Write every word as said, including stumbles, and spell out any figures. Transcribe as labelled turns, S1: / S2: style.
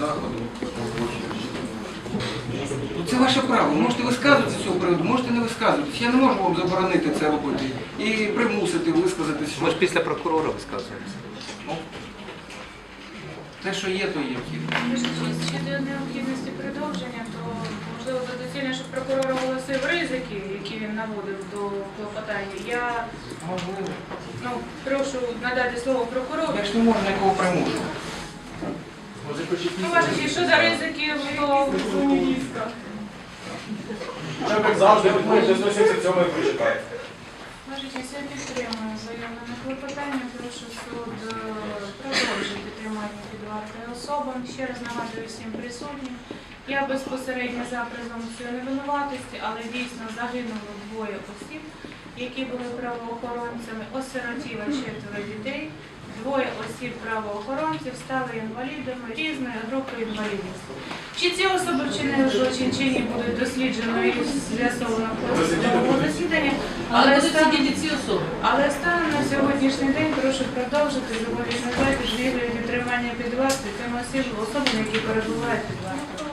S1: заходу. Ну, це ваше право. Можете висказуватися з цього приводу, можете не висказуватися. Я не можу вам заборонити це робити і примусити висказатися.
S2: Ми ж після прокурора висказуємося.
S1: Те, що є, то є.
S3: Щодо необхідності продовження, то можливо доцільно, щоб прокурор оголосив ризики, які він наводив до клопотання. Я
S1: Можливо.
S3: ну, прошу надати слово прокурору.
S1: Я ж не можу нікого примушувати.
S3: Ну, бачите, що за ризики до міністра?
S4: Як завжди, ми сто сімдесят сьомий прочитаємо.
S3: Бачите, я підтримую заявлене клопотання. Прошу суд е, продовжити тримання під вартою особам. Ще раз нагадую всім присутнім. Я безпосередньо за презумпцією невинуватості, але дійсно загинуло двоє осіб, які були правоохоронцями, осиротіло четверо дітей. Двоє осіб правоохоронців стали інвалідами різної групи інвалідності. Чи ці особи вчинили злочин, чи ні, будуть досліджено і з'ясовано в судовому засіданні.
S5: Але
S3: Але
S5: будуть
S3: станом,
S5: сидіти ці особи.
S3: але станом на сьогоднішній день прошу продовжити зобов'язати звільнення тримання під вартою тим осіб, особам, які перебувають під вартою.